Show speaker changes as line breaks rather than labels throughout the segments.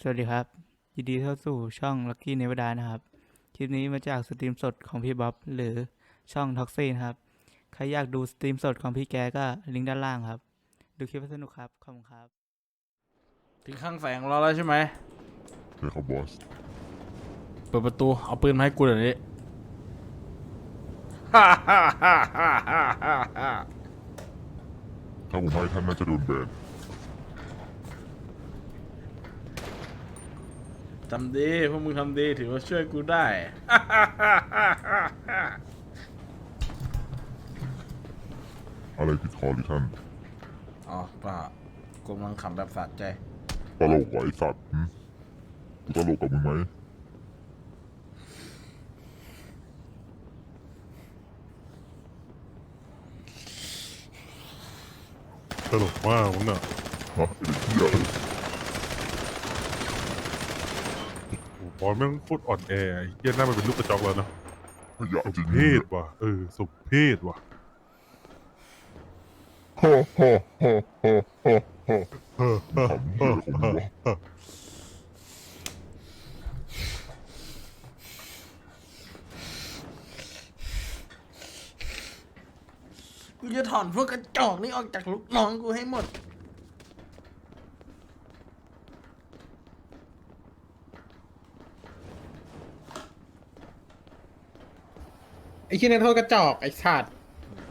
วัสดีครับยินดีเข้าสู่ช่อง Lucky Nevada นะครับคลิปนี้มาจากสตรีมสดของพี่บ๊อบหรือช่องท็อกซี่นะครับใครอยากดูสตรีมสดของพี่แกก็ลิงก์ด้านล่างครับดูคลิปสนุกครับขอบคุณครับ
ถึงข้างแสงเราแล้วใช่ไหม
ใช่ครับบอส
เปิดประตูเอาปืนมาให้กูเดี๋ยวนี้
ถ้าผมให้ท่านน่าจะโดนแบน
ทำดีพวกมึงทำดีถือว่าช่วยกูได้
อะไรผิดคอหรือท่าน
อ๋อเปล่ากูกำลังขำแบบสะใจ
ตลกว่ะไอสัตว์กูตลกกับมึงไหม
ตลกมากมึงน่ะ
ฮะไอเด็กเหี้ยเลย
โอ้บอลแม่งโคตรอ่อนแอไอ้เหี้ยหน้ามันเป็นลูกกระจอกแล้วเนาะ
ขยะ
สม
จริง
เพศว่ะสมเพศว่ะ
ฮ่าฮ่าฮ่าฮ่าฮ่าฮ่า
เฮ้อเฮ้อ
ขำเหี้ยของมึงวะ
กูจะถอนพวกกระจอกนี้ออกจากลูกน้องกูให้หมด
ไอ้ขี้นักโทษกระจอกไอ้สัตว์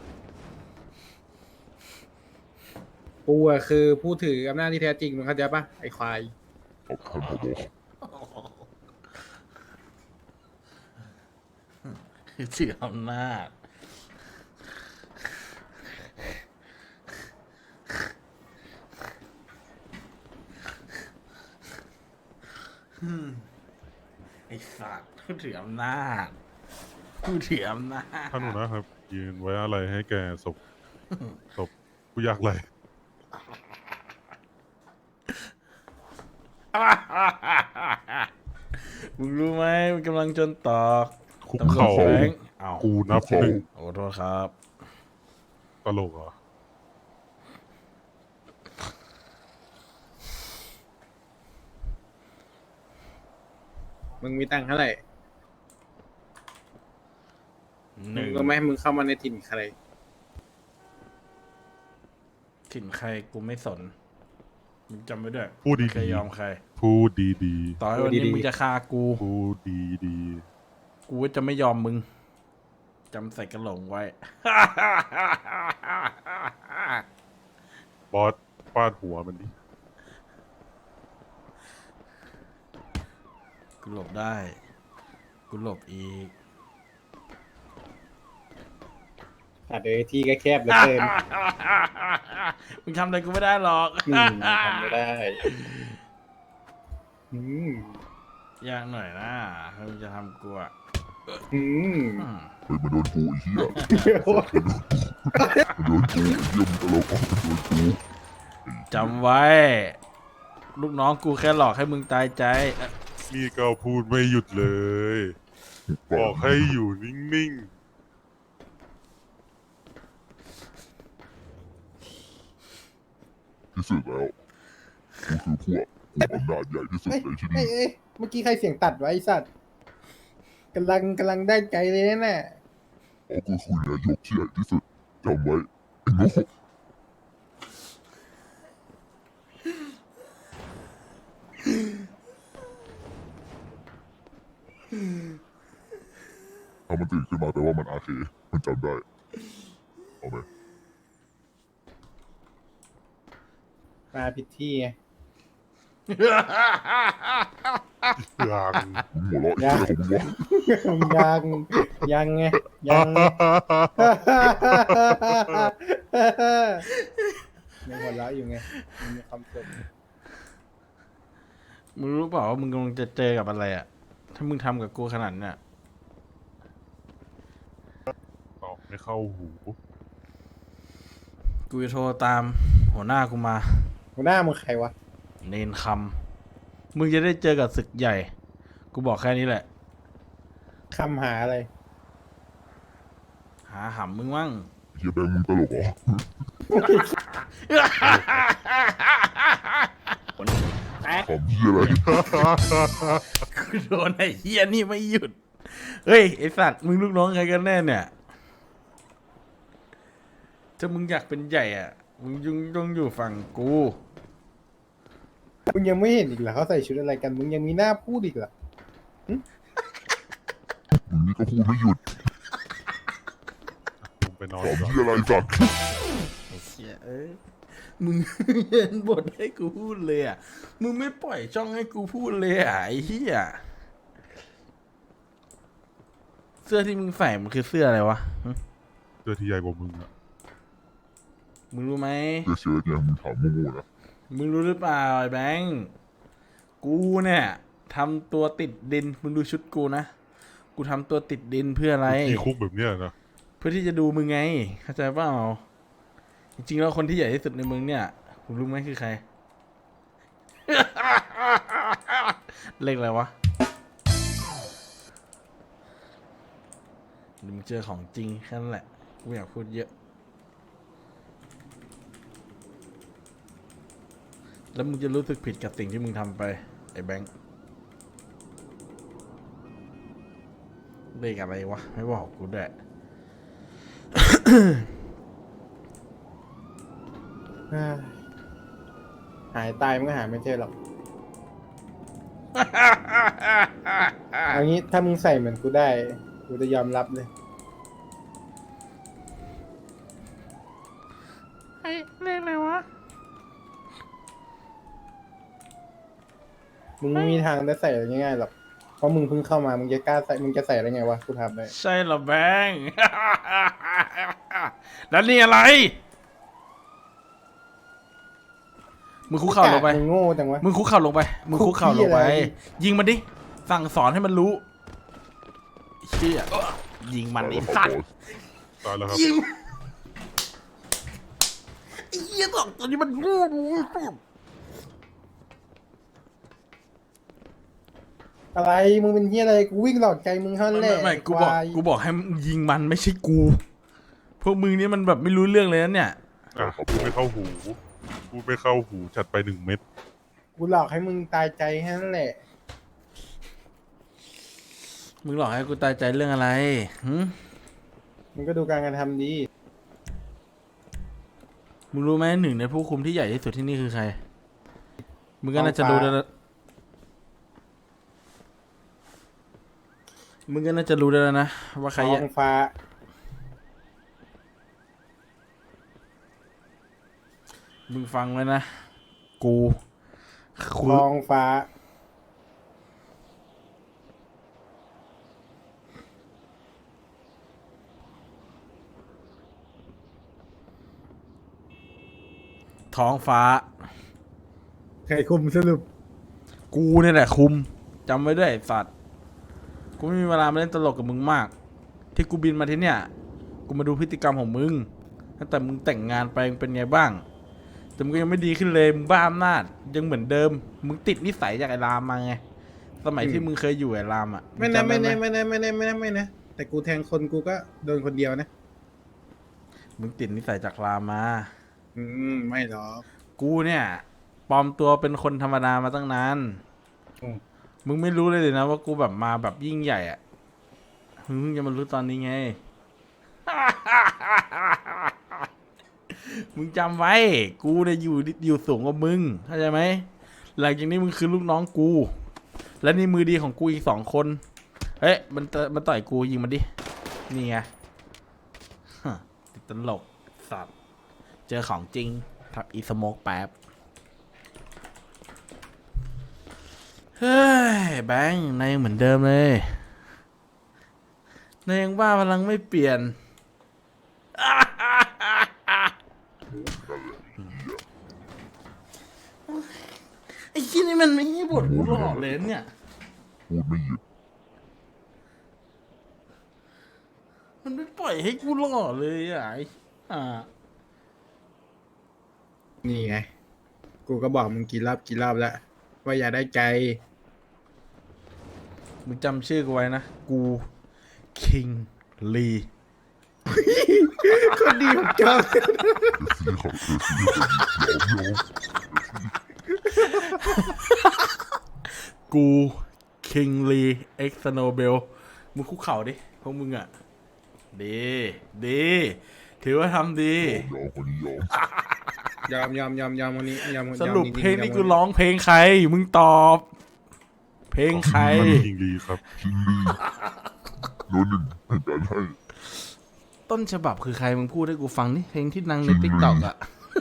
กูอะคือผู้ถืออำนาจที่แท้จริงมึงเข้าใจปะไอ้ควาย
ขอบท่านผบ
ถืออำนาจไอ้สัตว์กูถืออำนาจกูถืออำนาจ
ท่านหัวหนะครับยืนไว้อะไรให้แกศพผู้ยากไร
มึงรู้ไหมมันกำลังจนตอก
คุก
ตำรวจ
เข่า
แฝงเอา
กูนับหนึ่ง
โอ้โทษครับ
ตลกเหรอ
มึงมีตังค์เท่าไหร่
ห
มึ
นึ่
ง
ง
ก็ไม่ให้มึงเข้ามาในถิ่นใคร
ถิ่นใครกูไม่สนมึงจำไว้ด้วย
พูดดี
ไม่เคยยอมใคร
ๆพูดดี
ต่อให้วันนี้
พูดดีๆ
มึงจะฆ่ากู
ๆพูดดี
กูก็จะไม่ยอมมึงจำใส่กระโหลกไว้
ๆบอสฟาดหัวมันดิ
กูหลบได้ กูหลบอีก
อาจจะที่ก็แคบเหลือเกิน
มึงทำอะไรกูไม่ได้หรอก
ทำไม่ได้อืม
ยากหน่อยนะถ้ามึงจะทำกูอ่ะ
อืม
อืม
เฮ้ยมันโดนกูไอ้เหี้ยมันโดนกูไอ้เหี้ยมึงตลกอ๋อมันโดนกู
จำไว้ ลูกน้องกูแค่หลอกให้มึงตายใจ
นี่ก็พูดไม่หยุดเลย บอกให้อยู่นิ่ง
ที่สุดแล้วกูคือพวกอำนาจใหญ่ที่สุดในที่นี่
เอ้ยเมื่อกี้ใครเสียงตัดไว้ไอ้สัตว์กำลังได้ใจเลยนะ
อ๋อกูคือนายกที่ใหญ่ที่สุดจำไว้ไอ้โง่ถ้ามันตื่นขึ้นมาแปลว่ามันอาเคมันจำได้เอาไหม
มาผิดที่ไง
ๆอย่าง
มึงหัวเราะไอ้เหี้ยของมึงวะ
ยังไงยังยังหัวเราะอยู่ไงมันมีความสุข
มึงรู้เปล่าว่ามึงกำลังจะเจอกับอะไรอ่ะ ถ้ามึงทำกับกูขนาดเนี้ย
ตอบไม่เข้าหู
กูจะโทรตามหัวหน้ากูมา
หัวหน้ามึงใครวะ
เนนคำมึงจะได้เจอกับศึกใหญ่ กูบอกแค่นี้แหละ
คำหาอะไร
หาหำมึงมั่ง
เฮียแบงค์มึงตลกเหรอขำเหี้ยอะไร
กูโดนไอ้เฮียนี่ไม่หยุด เฮ้ยไอสัตว์มึงลูกน้องใครกันแน่เนี่ย ถ้ามึงอยากเป็นใหญ่อ่ะ มึงต้องอยู่ฝั่งกู
มึงยังไม่เห็นอีกเหรอเขาใส่ชุดอะไรกัน มึงยังมีหน้าพูดอีกเหรอ
มึงนี่ก็พูดไม่หยุด
ผมไปนอน
ขำ
ก่อน
เหี้ยอะไรสัตว์
ไอ้เชี่ยเอ้ย มึง เห็นบทให้กูพูดเลยอ่ะ มึงไม่ปล่อยช่องให้กูพูดเลยอ่ะไอ้เหี้ย เสื้อที่มึงใส่มันคือเสื้ออะไรวะหึ
เสื้อที่ใหญ่กว่ามึงอะ
มึงรู้ไหม
เสื้อเชิ้ตเนี่ยมึงถามโง่ๆนะ
มึงรู้หรือเปล่าไอ้แบงค์กูเนี่ยทำตัวติดดิน มึงดูชุดกูนะ กูทำตัวติดดินเพื่ออะไร
ที่คุกแบบเนี้ยนะ
เพื่อที่จะดูมึงไง เข้าใจเปล่า จริงๆแล้วคนที่ใหญ่ที่สุดในเมืองเนี่ยคุณรู้ไหมคือใคร เลขอะไรวะเดี๋ยวมึงเจอของจริงแค่นั้นแหละ กูไม่อยากพูดเยอะ แล้วมึงจะรู้สึกผิดกับสิ่งที่มึงทำไป ไอ้แบงค์ เลขอะไรวะ ไม่บอกกูด้วย
หายตายมันก็หาไม่เจอหรอก เอางี้ถ้ามึงใส่เหมือนกูได้ กูจะยอมรับเลย
เฮ้ยเลขอะไรวะ
มึงไม่มีทางได้ใส่ง่ายๆหรอก เพราะมึงเพิ่งเข้ามา มึงจะกล้าใส่ มึงจะใส่ได้ไงวะ กูทำได้
ใช่เหรอแบงค์ แล้วนี่อะไร มึงคุกเข่าลงไป
มึงโง่จังวะ
มึงคุกเข่าลงไป มึงคุกเข่าลงไป
คุกเหี้ยอะไร
ยิงมันดิ สั่งสอนให้มันรู้เชี่ยยิงมันไอ้สัตว์
ตายแล้วครับ
ยิงไอ้เหี้ยสองตัวนี้มันโง่ดูสุด
อะไร มึงเป็นเฮียอะไร กูวิ่งหลอกใจมึงเท่านั้นแหละ
ไม่กูบอก
ควาย
กูบอกให้มึงยิงมันไม่ใช่กู พวกมึงนี่มันแบบไม่รู้เรื่องเลยนะเนี่ย
อ่ะพูดไม่เข้าหู พูดไม่เข้าหูจัดไป1 เม็ด
กูหลอกให้มึงตายใจแค่นั้นแหละ
มึงหลอกให้กูตายใจเรื่องอะไรหึ
มึงก็ดูการกระทำดี
มึงรู้ไหมหนึ่งในผู้คุมที่ใหญ่ที่สุดที่นี่คือใคร มึงก็น่าจะรู้แล้วมึงก็น่าจะรู้แล้วนะว่าใคร
ท้
ใหญ่
องฟ้า
มึงฟังไว้นะ กูคุ
ท้องฟ้า
ท้องฟ้า
ใครคุมสรุป
กูเนี่ยแหละคุมจำไว้ด้วยไอ้สัตว์ กูไม่มีเวลามาเล่นตลกกับมึงมาก ที่กูบินมาที่เนี่ย กูมาดูพฤติกรรมของมึงตั้งแต่มึงแต่งงานไปมึงเป็นไงบ้าง แต่มึงก็ยังไม่ดีขึ้นเลยมึงบ้าอำนาจยังเหมือนเดิม มึงติดนิสัยจากไอ้รามมาไง สมัยที่มึงเคยอยู่ไอ้รามอ่ะ
ไม่นะ
งจำด้
ไม่
ห
นะไม่นะไม่นะไม่นะไม่นะแต่กูแทงคนกูก็โดนคนเดียวนะ
มึงติดนิสัยจากรามมา
ไม่หรอก
กูเนี่ยปลอมตัวเป็นคนธรรมดามาตั้งนาน
อืม
มึงไม่รู้เลยนะว่ากูแบบมาแบบยิ่งใหญ่อะมึงเพิ่งจะมารู้ตอนนี้ไง มึงจำไว้ กูเนี่ยอยู่สูงกว่ามึง เข้าใจไหม หลังจากนี้มึงคือลูกน้องกู และนี่มือดีของกูอีก2 คน เฮ้ยมันต่อยกูยิงมันดิ นี่ไงฮะติดตลกสัตว์ เจอของจริงทับอีสโมกแป๊บ เฮ้ยแบงค์นายยังเหมือนเดิมเลยนายยังบ้าพลังไม่เปลี่ยน ไอ้ที่นี่มันไม่ให้บทกูหลอกเลยเนี่ย
พูดไม่หยุด
มันไม่ปล่อยให้กูหล่อเลยอ่ะไอ้
นี่ไง กูก็บอกมึงกี่รอบแล้ว ว่าอย่าได้ใจ
มึงจำชื่อกูไว้นะ กูคิงลี
คนดีผมชอบ
ซื้อของเธอซื้อคนยอม
กูคิงลีเอ็กซ์โนเบลมึงคุกเข่าดิพวกมึงอ่ะดีถือว่าทำดี
ยอมคนนี้ยอม
ยอมวันนี้ยอม
สรุป
ยอมจ
เพลง
ๆ
นี้
ยอม
กูร้องเพลงใคร มึงตอบ เพลงใคร
คิงลีครับ
คิงลี่โน้นหนึ่งให้การให้
ต้นฉบับคือใครมึงพูดให้กูฟังนี่เพลงที่ดังในติ๊กต็อกอ่ะ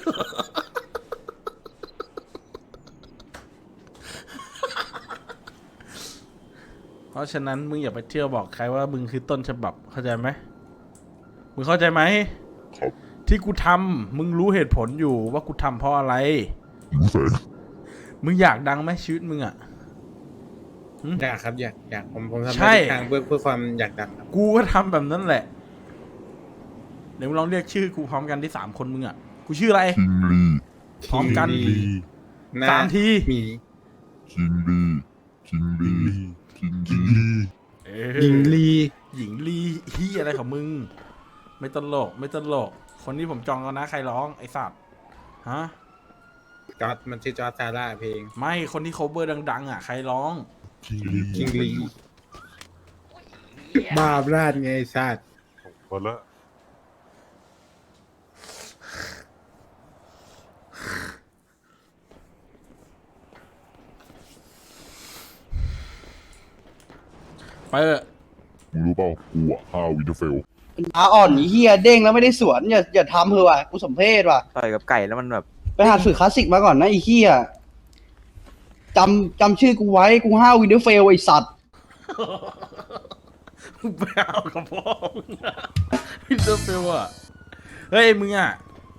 เพราะฉะนั้นมึงอย่าไปเที่ยวบอกใครว่ามึงคือต้นฉบับเข้าใจไหมมึงเข้าใจไหม
ครับ
ที่กูทำมึงรู้เหตุผลอยู่ว่ากูทำเพราะอะไร
หิวแสง
มึงอยากดังไหมชีวิตมึงอ่ะ
อยากครับอยากผมทำ
ใช่
ได้ทุกทางเพื่อความอยากดังครับ
กูก็ทำแบบนั้นแหละ เดี๋ยวมึงลองเรียกชื่อกูพร้อมกันที่3 คนมึงอ่ะ กูชื่ออะไร
คิงลี่
พร้อมกัน
คิงลี
หน้
3 ที
หมี
คิงลี่คิง
คิ
ลี่
งลี
คิง
คิง
ลี่
ลี
เออ
หญิงลี
หญิงลีฮียอะไรของมึง ไม่ตลก คนนี้ผมจองแล้วนะใครร้องไอสัตว์ฮะ
จอร์ดมันชื่อจอร์ดซาร่าเพลง
ไม่คนที่ cover ดังๆอ่ะใครร้อง
คิงลี
คิงลีบาปราดไงไอ้สัตว์
พอละ
ไปเถอะ
มึงรู้เปล่ากูอ่ะ5 วินเทอร์เฟล
อ่อนเฮียเด้งแล้วไม่ได้สวนอย่าทำเถอะว่ะกูสมเพศว่ะ
ต่อยกับไก่แล้วมันแบบ
ไปหาสื่อคลาสสิกมาก่อนนะไอ้เฮียจำชื่อกูไว้กู5 วินเทอร์เฟลไอ้สัตว์
ไปเอากับพ่อมึงอะพิเตอร์เฟลอะเฮ้ยมึงอะ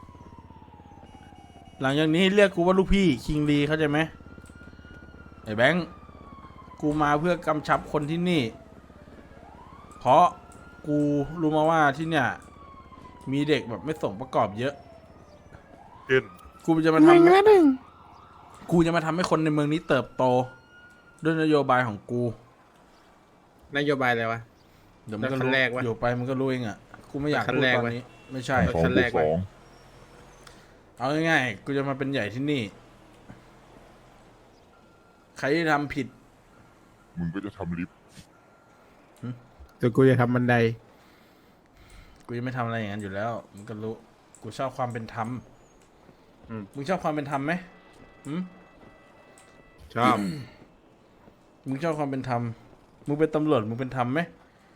หลังจากนี้เรียกกูว่าลูกพี่คิงลีเข้าใจไหมไอ้แบงค์กูมาเพื่อกำชับคนที่นี่ เพราะกูรู้มาว่าที่เนี่ย มีเด็กแบบไม่สมประกอบเยอะ
เช่น
กูจะมาทำกูจะมาทำให้คนในเมืองนี้เติบโต ด้วยนโยบายของกู
นโยบายอะไรวะ
เดี๋ยวมันก็
แล้วขั้
รู้
นแรกวะ
อยู่ไปมันก็รู้เองอ่ะ กูไม่อยาก
ขั้น
พูด
แรก
ตอน
วะ
นี้ ไม่ใช่
แล้ว
2
ขั้น
บ
แร
ว
ก
ก
วะ
2
เอาง่ายๆ กูจะมาเป็นใหญ่ที่นี่ ใครที่ทำผิด
มึงก็จะทำลิฟต์
แต่กูจะทำบันได
กูยังไม่ทำอะไรอย่างนั้นอยู่แล้ว มึงก็รู้ กูชอบความเป็นธรรม
อืม
มึงชอบความเป็นธรรมไหมหืม
ชอบ
มึงชอบความเป็นธรรม มึงเป็นตำรวจ มึงเป็นธรรมไหม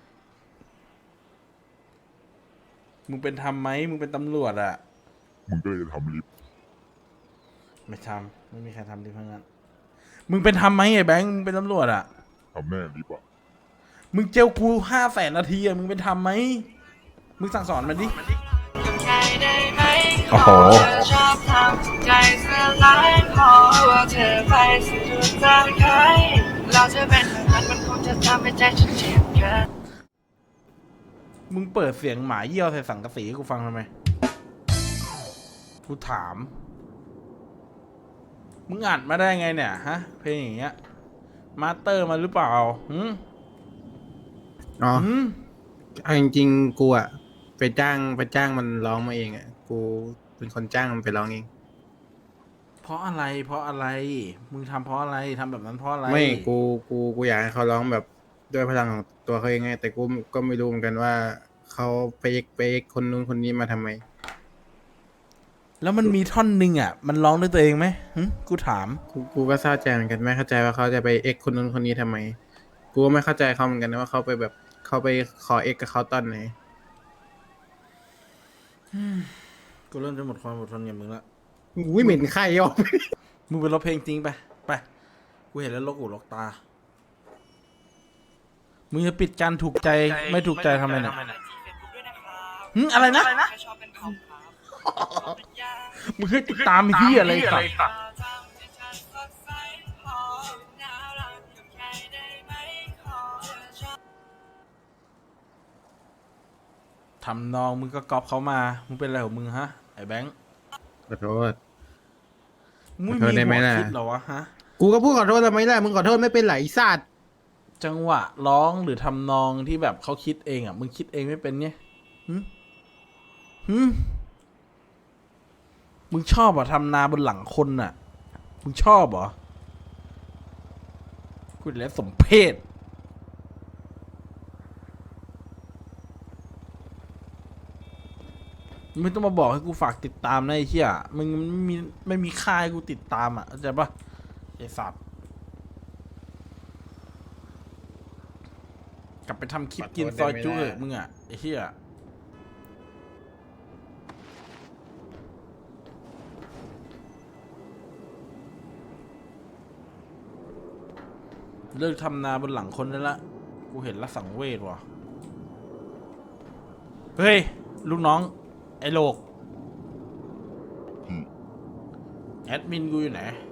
มึงเป็นธรรมไหม มึงเป็นตำรวจอะ
มึงก็เลยจะทำลิฟต์
ไม่ทำไม่มีใครทำดีเพราะงั้น มึงเป็นธรรมไหมไอ้แบงค์ มึงเป็นตำรวจอะ
ทำแน่ลิฟต์อ่ะ
มึงเจลกู500,000 นาทีอะมึงเป็นธรรมไหม มึงสั่งสอนมันดิ
โอ้โห
ชอบทำใจสลายพอว่าเธอไปสุดทางใครเราจะเป็นแบบนั้นมันคงจะทำให้ใจฉันเจ็บเกิน
มึงเปิดเสียงหมาเยี่ยวใส่สังกะสีให้กูฟังทำไม กูถาม มึงอัดมาได้ไงเนี่ยฮะ เพลงอย่างเงี้ย มาสเตอร์มาหรือเปล่าหืม
อ๋อ
หืม
เอาจริงๆกูอะไปจ้างมันร้องมาเองอะกูเป็นคนจ้างมันไปร้องเอง
เพราะอะไร เพราะอะไร มึงทำเพราะอะไรทำแบบนั้นเพราะอะไร
ไม่กูอยากให้เขาร้องแบบด้วยพลังของตัวเขาเองไงแต่กูก็ไม่รู้เหมือนกันว่าเขาไปคนนู้นคนนี้มาทำไม
แล้วมันมีท่อนหนึ่งอ่ะ มันร้องด้วยตัวเองไหมหึกูถาม
กูก็เศร้าใจเหมือนกันไม่เข้าใจว่าเขาจะไปเอ็กคนนู้นคนนี้ทำไม กูก็ไม่เข้าใจเขาเหมือนกันนะว่าเขาไปแบบเขาไปขอเอ็กกับเขาตอนไหน
กูเริ่มจะหมดความอดทนกับมึงละ
อุ้ยเหม็นไข่ออก
มึงไปร้องเพลงจริงไป ไป กูเห็นแล้วลกหูลกตา มึงจะปิดการถูกใจไม่ถูกใจทำไมเนี่ยหึอะไรนะ มึงให้ติดตามไอ้ที่อะไรสักทำนองมึงก็ก๊อปเขามา มึงเป็นอะไรของมึงฮะ ไอ้แบงค์
ขอโทษ
มึง
ขอโท
มี
ษได้ไหม
หัว
ล่ะ
คิดเหรอวะฮะ
กูก็พูดขอโทษทำไมล่ะมึงขอโทษไม่เป็นไหลสัตว์
จังหวะร้องหรือทำนองที่แบบเขาคิดเองอ่ะ มึงคิดเองไม่เป็นเนี่ยหึมึงชอบอ่ะทำนาบนหลังคนอ่ะมึงชอบเหรอกูแล้วสมเพศไม่ต้องมาบอกให้กูฝากติดตามนะไอ้เหี้ยมึงไม่มีค่าให้กูติดตามอ่ะเข้าใจปะไอ้สัตว์กลับไปทำคลิปกินซอยจุ๊เถอะมึงอ่ะไอ้เหี้ยเลิกทำนาบนหลังคนได้ละกูเห็นละสังเวชว่ะเฮ้ยลูกน้องไอ้โลกแอดมินกูอยู่ไหน